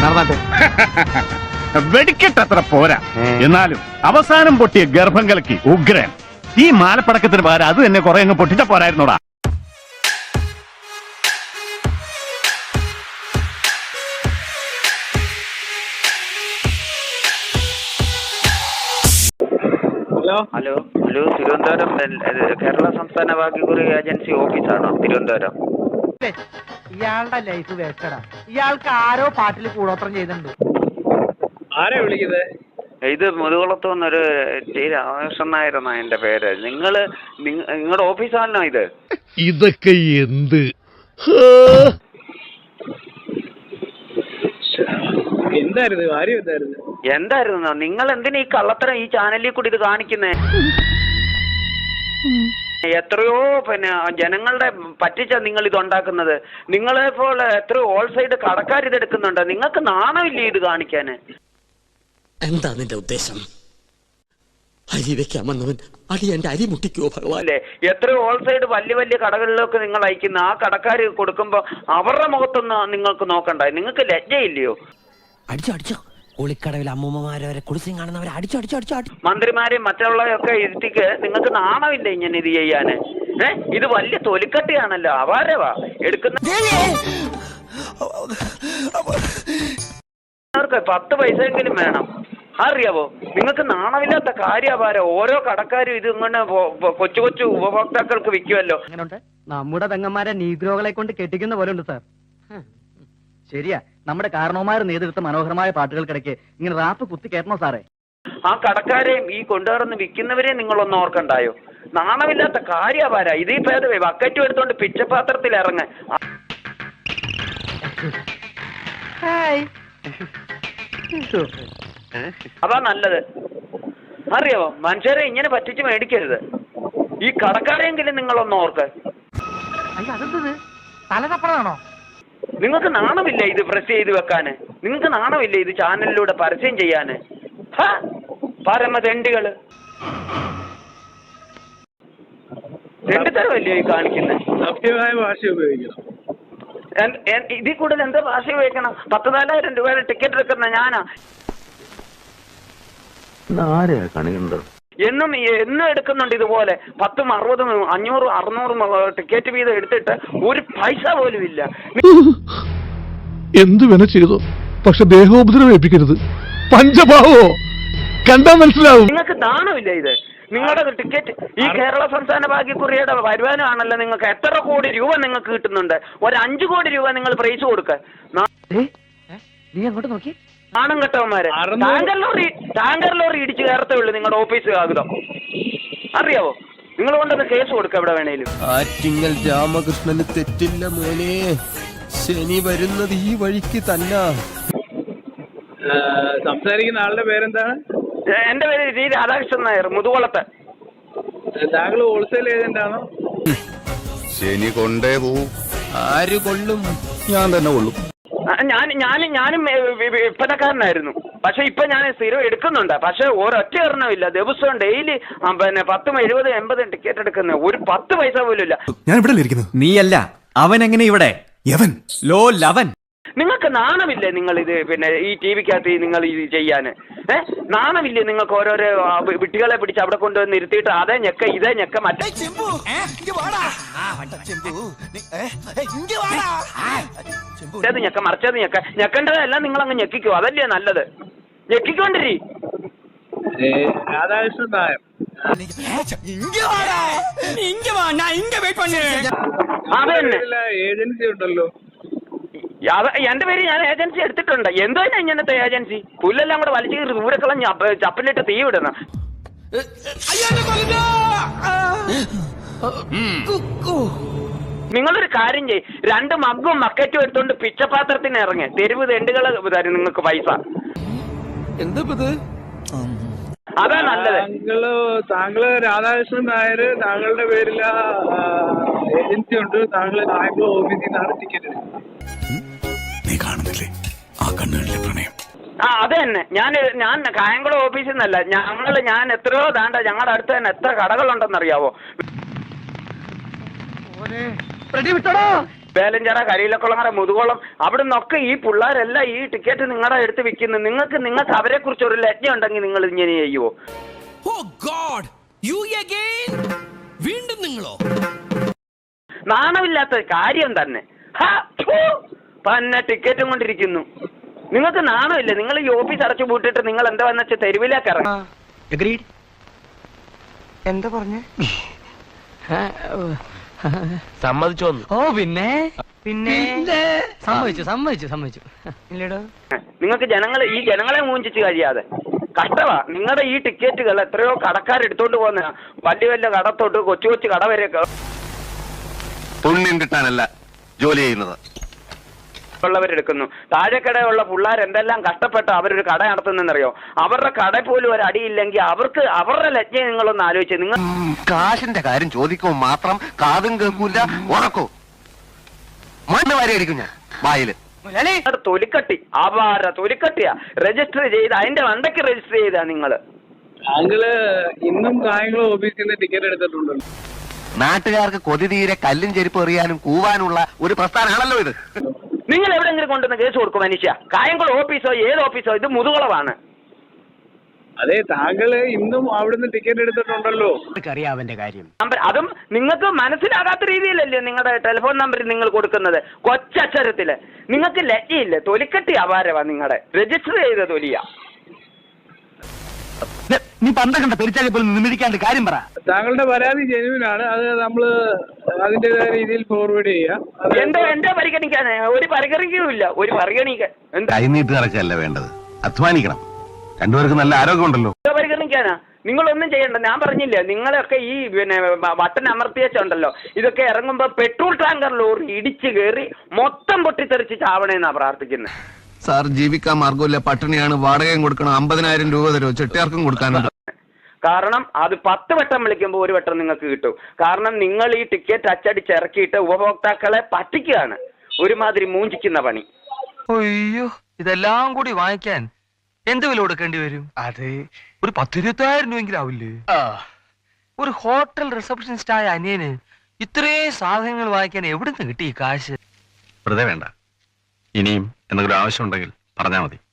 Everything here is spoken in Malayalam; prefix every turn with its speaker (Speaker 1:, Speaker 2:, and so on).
Speaker 1: നടന്നാട്ടെ.
Speaker 2: വെടിക്കെട്ടത്ര പോരാ, എന്നാലും അവസാനം പൊട്ടിയ ഗർഭം കലക്കി ഉഗ്രൻ. ഈ മാലപ്പടക്കത്തിന് പകരം അത് തന്നെ കുറെ അങ്ങ് പൊട്ടിച്ച പോരായിരുന്നോടാ.
Speaker 3: ഹലോ തിരുവനന്തപുരം കേരള സംസ്ഥാന ഭാഗ്യക്കുറി ഏജൻസി ഓഫീസാണോ തിരുവനന്തപുരം?
Speaker 4: ഇയാളുടെ ലൈഫ് വേസ്റ്റഡാ. ഇയാൾക്ക് ആരോ പാട്ടിൽ കൂടോത്രം ചെയ്തിട്ടുണ്ട്.
Speaker 5: ആരാ വിളിക്കുന്നത്?
Speaker 3: ഇത് മുതുകുളത്ത് വന്നൊരു ടി രാമകൃഷ്ണൻ നായരെന്നാ എന്റെ പേര്. നിങ്ങളുടെ ഓഫീസാണോ ഇത്?
Speaker 6: ഇതൊക്കെ എന്ത്
Speaker 5: എന്തായിരുന്നു കാര്യം?
Speaker 3: എന്തായിരുന്നു നിങ്ങൾ എന്തിനാ ഈ കള്ളത്തരം ഈ ചാനലിൽ കൂടി ഇത് കാണിക്കുന്നേ? എത്രയോ ജനങ്ങളുടെ പറ്റിച്ച നിങ്ങൾ ഇത് ഉണ്ടാക്കുന്നത്. നിങ്ങളെ പോലെ എത്രയോ ഓൾ സൈഡ് കടക്കാർ ഇത് എടുക്കുന്നുണ്ട്. നിങ്ങൾക്ക് നാണമില്ലേ ഇത് കാണിക്കാന്?
Speaker 7: എന്താ നിന്റെ ഉദ്ദേശം? അരി വെക്കാമെന്നവൻ അടി എന്റെ അരി മുട്ടിക്കോ ഭഗവാൻ.
Speaker 3: എത്രയോ ഓൾ സൈഡ് വലിയ വലിയ കടകളിലൊക്കെ നിങ്ങൾ അയക്കുന്ന ആ കടക്കാർ കൊടുക്കുമ്പോ അവരുടെ മുഖത്തൊന്ന് നിങ്ങൾക്ക് നോക്കണ്ട. നിങ്ങൾക്ക് ലജ്ജയില്ലയോ?
Speaker 7: അടിച്ചോ കുളിക്കടവിൽ അമ്മൂമ്മമാരെ വരെ കുളിച്ചും കാണുന്നവരെ അടിച്ചോ.
Speaker 3: മന്ത്രിമാരെയും മറ്റുള്ളവരെയൊക്കെ ഇരുത്തിക്ക് നിങ്ങൾക്ക് നാണമില്ല ഇങ്ങനെ ഇത് ചെയ്യാന്? ഇത് വലിയ തൊലിക്കട്ടിയാണല്ലോ. അപാരവാ എടുക്കുന്ന 10 പൈസയെങ്കിലും വേണം. അറിയാവോ? നിങ്ങൾക്ക് നാണമില്ലാത്ത കാര്യപാര. ഓരോ കടക്കാരും ഇത് ഇങ്ങനെ കൊച്ചു കൊച്ചു ഉപഭോക്താക്കൾക്ക് വിൽക്കുമല്ലോ.
Speaker 4: നമ്മുടെ പെങ്ങന്മാരെ നീഗ്രോകളെ കൊണ്ട് കെട്ടിക്കുന്ന പോലെ ഉണ്ട് സാർ. ശരിയാ, നമ്മുടെ കാരണവന്മാർ നേതൃത്വ മനോഹരമായ പാട്ടുകൾക്കിടയ്ക്ക് ഇങ്ങനെ റാപ്പ് കുത്തി കയറ്റണോ സാറേ?
Speaker 3: ആ കടക്കാരെയും ഈ കൊണ്ടുവരുന്ന വിൽക്കുന്നവരെയും നിങ്ങളൊന്നും ഓർക്കണ്ടായോ? നാണമില്ലാത്ത കാര്യപാര. ഇതീ ഭേദമേ ബക്കറ്റും എടുത്തോണ്ട് പിച്ചപാത്രത്തിൽ ഇറങ്ങ. അതാ നല്ലത്. അറിയാവോ? മനുഷ്യരെ ഇങ്ങനെ പറ്റിച്ച് മേടിക്കരുത്. ഈ കടക്കാരെങ്കിലും നിങ്ങളൊന്ന് ഓർക്ക്.
Speaker 4: തലതപ്പണാണോ?
Speaker 3: നിങ്ങൾക്ക് നാണമില്ല ഇത് പ്രസ് ചെയ്ത് വെക്കാന്? നിങ്ങൾക്ക് നാണമില്ല ഇത് ചാനലിലൂടെ പരസ്യം ചെയ്യാന്? പരമതെണ്ടികള്. തെണ്ടിത്തരമല്ലയോ ഈ കാണിക്കുന്നത്?
Speaker 5: സഭ്യമായ ഭാഷ ഉപയോഗിക്കണം.
Speaker 3: ഇതിൽ കൂടുതൽ എന്താ ഭാഷ ഉപയോഗിക്കണം? 14,000 രൂപയുടെ ടിക്കറ്റ് എടുക്കുന്ന ഞാനാ. എന്നും എടുക്കുന്നുണ്ട് ഇതുപോലെ 10, 60, 500, 600 ടിക്കറ്റ് വീതം എടുത്തിട്ട് ഒരു പൈസ പോലും ഇല്ല.
Speaker 6: എന്ത് വേണ ചെയ്തോ, പക്ഷെ ദേഹോപദ്രവേൽപ്പിക്കരുത്. പഞ്ചഭാവോ കണ്ടാ മനസ്സിലാവും.
Speaker 3: നിങ്ങൾക്ക് നാണമില്ല ഇത്? നിങ്ങളുടെ ടിക്കറ്റ് ഈ കേരള സംസ്ഥാന ഭാഗ്യക്കുറിയുടെ വരുമാനമാണല്ലോ. നിങ്ങൾക്ക് എത്ര കോടി രൂപ നിങ്ങൾക്ക് കിട്ടുന്നുണ്ട്? ഒരു 5 കോടി രൂപ നിങ്ങൾ പ്രൈസ് കൊടുക്ക.
Speaker 4: നീ അങ്ങോട്ട് നോക്കി.
Speaker 3: നാണം കെട്ടവന്മാരെ. ടാങ്കർ ലോറി ഇടിച്ച് കയറത്തേ ഉള്ളൂ നിങ്ങളുടെ ഓഫീസ് കാകുതം. അറിയാവോ? നിങ്ങൾ കൊണ്ടൊന്ന് കേസ് കൊടുക്ക എവിടെ വേണേലും.
Speaker 8: ആറ്റിങ്ങൽ രാമകൃഷ്ണന് തെറ്റില്ല മോനെ. ശനി വരുന്നത് ഈ വഴിക്ക് തന്നെ.
Speaker 5: സംസാരിക്കുന്ന ആളുടെ പേരെന്താണ്?
Speaker 3: എന്റെ പേര് ജി രാധാകൃഷ്ണൻ നായർ, മുതുകുളത്ത്.
Speaker 5: താങ്കൾ ഹോൾസെയിൽ ഏജന്റ് ആണോ?
Speaker 8: ശനി കൊണ്ടേ പോവും. ആര് കൊള്ളും? ഞാൻ തന്നെ കൊള്ളും.
Speaker 3: ഞാനും വിൽപ്പനക്കാരനായിരുന്നു. പക്ഷെ ഇപ്പൊ ഞാൻ സ്ഥിരം എടുക്കുന്നുണ്ട്. പക്ഷെ ഒരൊറ്റ എണ്ണമില്ല. ദിവസവും ഡെയിലി 10, 70, 80 ടിക്കറ്റ് എടുക്കുന്ന ഒരു 10 പൈസ പോലും ഇല്ല.
Speaker 9: ഞാൻ ഇവിടെ ഇരിക്കുന്നു.
Speaker 1: നീയല്ല അവൻ. എങ്ങനെ ഇവിടെ ലോ ലവൻ?
Speaker 3: നിങ്ങൾക്ക് നാണമില്ലേ നിങ്ങൾ ഇത് ഈ ടിവിക്കകത്ത് നിങ്ങൾ ഇത് ചെയ്യാന്? നാണമില്ലേ നിങ്ങൾക്ക്? ഓരോരോ വിട്ടികളെ പിടിച്ച് അവിടെ കൊണ്ടുവന്ന് ഇരുത്തിയിട്ട് അതേ ഞെക്ക ഇതേ ഞെക്ക മറ്റേ ഞെക്ക മറിച്ചത് ഞെക്ക. ഞെക്കേണ്ടതെല്ലാം നിങ്ങൾ അങ്ങ് ഞെക്കിക്കോ. അതല്ലേ നല്ലത്. ഞെക്കിക്കൊണ്ടിരി.
Speaker 5: രാധാകൃഷ്ണൻ നായർ ഏജൻസി ഉണ്ടല്ലോ.
Speaker 3: എന്റെ പേര് ഞാൻ ഏജൻസി എടുത്തിട്ടുണ്ട്. എന്തോ ഇങ്ങനത്തെ ഏജൻസി? പുല്ലെല്ലാം കൂടെ വലിച്ചു കയറി ദൂരെ കളഞ്ഞ് ചപ്പലിട്ട് തീ വിടണം. നിങ്ങളൊരു കാര്യം ചെയ്യ്. 2 മഗ്ഗും ബക്കറ്റും എടുത്തോണ്ട് പിച്ചപാത്രത്തിന് ഇറങ്ങി തെരുവ് തെണ്ടുകൾ തരും നിങ്ങൾക്ക് പൈസ. അതാ നല്ലത്.
Speaker 5: താങ്കള് രാധാകൃഷ്ണൻ നായർ, താങ്കളുടെ പേരിൽ ഏജൻസി ഉണ്ട്. താങ്കൾ കായംകുളം ഓഫീസിൽ നിന്നാണ് ടിക്കറ്റ് എടുക്കുന്നത്.
Speaker 9: നീ കാണുന്നില്ലേ ആ കണ്ണുകളിലെ പ്രണയം?
Speaker 3: അത് തന്നെ. ഞാൻ കായംകുളം ഓഫീസിൽ നിന്നല്ല. ഞാൻ എത്രയോ ഞങ്ങളുടെ അടുത്ത് തന്നെ എത്ര കടകളുണ്ടെന്നറിയാവോ?
Speaker 4: വിട്ടോടോ.
Speaker 3: വേലഞ്ചിറ, കരിയിലക്കുളങ്ങര, മുതുകുളം അവിടെ നിന്നൊക്കെ ഈ പിള്ളേരെല്ലാം ഈ ടിക്കറ്റ് നിങ്ങളുടെ അടുത്ത് വിൽക്കുന്നു. നിങ്ങൾക്ക് അവരെ കുറിച്ച് ഒരു ലജ്ജ ഉണ്ടെങ്കിൽ നിങ്ങൾ ഇങ്ങനെ ചെയ്യുമോ?
Speaker 7: വീണ്ടും നിങ്ങളോ?
Speaker 3: നാണമില്ലാത്ത കാര്യം തന്നെ. തന്നെ ടിക്കറ്റും കൊണ്ടിരിക്കുന്നു. നിങ്ങൾക്ക് നാണമില്ല? നിങ്ങൾ ഈ ഓഫീസ് അടച്ചു പൂട്ടിട്ട് നിങ്ങൾ എന്താ വന്ന വെച്ചാൽ തെരുവിലേക്ക് ഇറങ്ങി.
Speaker 4: എന്താ പറഞ്ഞേ?
Speaker 8: സമ്മതിച്ചോ?
Speaker 4: ഓ പിന്നെ സമ്മതിച്ചു ഇല്ലടോ.
Speaker 3: നിങ്ങൾക്ക് ഈ ജനങ്ങളെ മൂഞ്ചിച്ച് കഴിയാതെ കഷ്ടമാ. നിങ്ങളുടെ ഈ ടിക്കറ്റുകൾ എത്രയോ കടക്കാരെടുത്തോണ്ട് പോകുന്ന വലിയ വലിയ കടത്തോട്ട് കൊച്ചു കൊച്ചു കട വരെ
Speaker 2: പുണ്യം കിട്ടാനല്ല ജോലി ചെയ്യുന്നത്
Speaker 3: ഉള്ളവരെടുക്കുന്നു. താഴെക്കടയുള്ള പിള്ളേർ എന്തെല്ലാം കഷ്ടപ്പെട്ട് അവരൊരു കട നടത്തുന്നറിയോ? അവരുടെ കട പോലും ഒരു അടിയില്ലെങ്കിൽ അവരുടെ ലജ്ജ നിങ്ങളൊന്ന് ആലോചിച്ച്. നിങ്ങൾ
Speaker 2: കാശിന്റെ കാര്യം ചോദിക്കുമ്പോൾ മാത്രം കാതും കേൾക്കൂല, ഉറക്കോ മണ്ണ് വാരി അടിക്കും ഞാൻ വായില്.
Speaker 3: തൊലിക്കട്ടി അപാര തൊലിക്കട്ടിയാ രജിസ്റ്റർ ചെയ്ത് അതിന്റെ വണ്ടയ്ക്ക് രജിസ്റ്റർ ചെയ്താ നിങ്ങള്.
Speaker 5: താങ്കള് ഇന്നും കായംകുളം ഓഫീസിൽ നിന്ന് ടിക്കറ്റ് എടുത്തിട്ടുണ്ടല്ലോ.
Speaker 2: നാട്ടുകാർക്ക് കൊതി തീരെ കല്ലും ചെരുപ്പ് എറിയാനും കൂവാനുള്ള ഒരു പ്രസ്ഥാനമാണല്ലോ ഇത്.
Speaker 3: നിങ്ങൾ എവിടെയെങ്കിലും കൊണ്ടുവന്ന് കേസ് കൊടുക്കും മനുഷ്യ? കായംകുളം ഓഫീസോ ഏത് ഓഫീസോ? ഇത് മുതുകുളമാണ്.
Speaker 5: അതെ, താങ്കള് ഇന്നും അവിടുന്ന് ടിക്കറ്റ് എടുത്തിട്ടുണ്ടല്ലോ.
Speaker 4: അറിയാവന്റെ കാര്യം.
Speaker 3: അതും നിങ്ങൾക്ക് മനസ്സിലാകാത്ത രീതിയിലല്ലേ നിങ്ങളുടെ ടെലിഫോൺ നമ്പർ നിങ്ങൾ കൊടുക്കുന്നത് കൊച്ചക്ഷരത്തില്. നിങ്ങൾക്ക് ലജ്ജയില്ല? തൊലിക്കട്ടി അപാരവാ നിങ്ങളുടെ രജിസ്റ്റർ ചെയ്ത തൊലിയ.
Speaker 4: നീ പണ്ടൊക്കെ പെരിച്ചാലി പോലും നിമിരിക്കാണ്ട് കാര്യം പറ.
Speaker 5: താങ്കളുടെ പരാതി ജെനുവിനാണ്. അത് നമ്മള് അതിന്റേതായ രീതിയിൽ ഫോർവേഡ് ചെയ്യാം.
Speaker 3: എന്റെ പരിഗണിക്കാൻ ഒരു പരിഗണിക്കുകയില്ല. ഒരു പരിഗണിക്കാൻ
Speaker 2: കൈനീട്ട് നടക്കല്ല വേണ്ടത്, അധ്വാനിക്കണം. രണ്ടുപേർക്ക് നല്ല ആരോഗ്യമുണ്ടല്ലോ.
Speaker 3: പരിഗണിക്കാനാ? നിങ്ങളൊന്നും ചെയ്യണ്ട. ഞാൻ പറഞ്ഞില്ലേ, നിങ്ങളൊക്കെ ഈ ബട്ടൺ അമർത്തിയച്ചുണ്ടല്ലോ, ഇതൊക്കെ ഇറങ്ങുമ്പോ പെട്രോൾ ടാങ്കർ ലോറി ഇടിച്ചു കയറി മൊത്തം പൊട്ടിത്തെറിച്ച് ചാവണേന്നാ പ്രാർത്ഥിക്കുന്നത്.
Speaker 8: സാർ, ജീവിക്കാൻ മാർഗമില്ല, പട്ടിണിയാണ്, വാടകയും കൊടുക്കണം, 50,000 രൂപ തരുമോ? ചെട്ടിയാർക്കും കൊടുക്കാനുണ്ട്.
Speaker 3: കാരണം അത് 10 വട്ടം വിളിക്കുമ്പോൾ 1 വട്ടം നിങ്ങൾക്ക് കിട്ടും. കാരണം നിങ്ങൾ ഈ ടിക്കറ്റ് അച്ചടിച്ചിറക്കിയിട്ട് ഉപഭോക്താക്കളെ പറ്റിക്കുകയാണ്. ഒരുമാതിരി മൂഞ്ചിക്കുന്ന പണി.
Speaker 8: അയ്യോ, ഇതെല്ലാം കൂടി വാങ്ങിക്കാൻ എന്ത് വില കൊടുക്കേണ്ടി വരും? അത് ഒരു 10,000-20,000 രൂപയെങ്കിലും ആവില്ലേ? ഒരു ഹോട്ടൽ റിസപ്ഷനിസ്റ്റ് ആയ അനിയന് ഇത്രയും സാധനങ്ങൾ വാങ്ങിക്കാൻ എവിടുന്ന് കിട്ടി ഈ കാശ്?
Speaker 2: വെറുതെ വേണ്ട. ഇനിയും എന്തെങ്കിലും ആവശ്യമുണ്ടെങ്കിൽ പറഞ്ഞാൽ മതി.